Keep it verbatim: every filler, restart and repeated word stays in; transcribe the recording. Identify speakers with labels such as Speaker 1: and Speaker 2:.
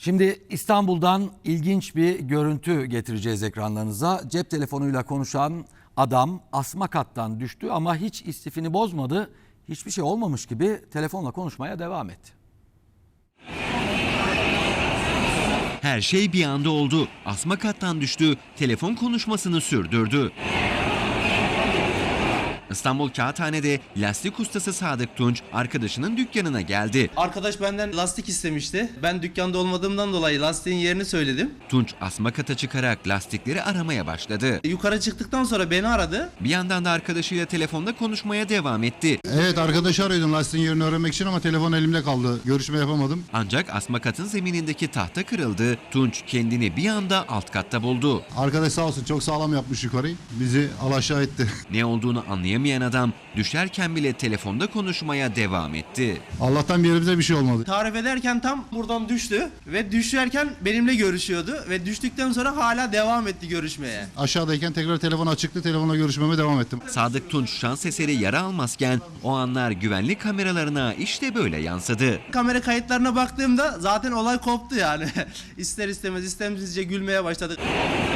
Speaker 1: Şimdi İstanbul'dan ilginç bir görüntü getireceğiz ekranlarınıza. Cep telefonuyla konuşan adam asma kattan düştü ama hiç istifini bozmadı. Hiçbir şey olmamış gibi telefonla konuşmaya devam etti.
Speaker 2: Her şey bir anda oldu. Asma kattan düştü, telefon konuşmasını sürdürdü. İstanbul Kağıthane'de lastik ustası Sadık Tunç arkadaşının dükkanına geldi.
Speaker 3: Arkadaş benden lastik istemişti. Ben dükkanda olmadığımdan dolayı lastiğin yerini söyledim.
Speaker 2: Tunç asma kata çıkarak lastikleri aramaya başladı.
Speaker 3: Yukarı çıktıktan sonra beni aradı.
Speaker 2: Bir yandan da arkadaşıyla telefonda konuşmaya devam etti.
Speaker 4: Evet, arkadaşı arıyordum lastiğin yerini öğrenmek için ama telefon elimde kaldı. Görüşme yapamadım.
Speaker 2: Ancak asma katın zeminindeki tahta kırıldı. Tunç kendini bir anda alt katta buldu.
Speaker 4: Arkadaş sağ olsun çok sağlam yapmış yukarıyı. Bizi alaşağı etti.
Speaker 2: Ne olduğunu anlayamayan adam düşerken bile telefonda konuşmaya devam etti.
Speaker 4: Allah'tan bir yerimize bir şey olmadı.
Speaker 3: Tarif ederken tam buradan düştü ve düşerken benimle görüşüyordu ve düştükten sonra hala devam etti görüşmeye.
Speaker 4: Aşağıdayken tekrar telefon açıktı. Telefonla görüşmeme devam ettim.
Speaker 2: Sadık Tunç şans eseri yara almazken o anlar güvenlik kameralarına işte böyle yansıdı.
Speaker 3: Kamera kayıtlarına baktığımda zaten olay koptu yani. İster istemez istemsizce gülmeye başladık.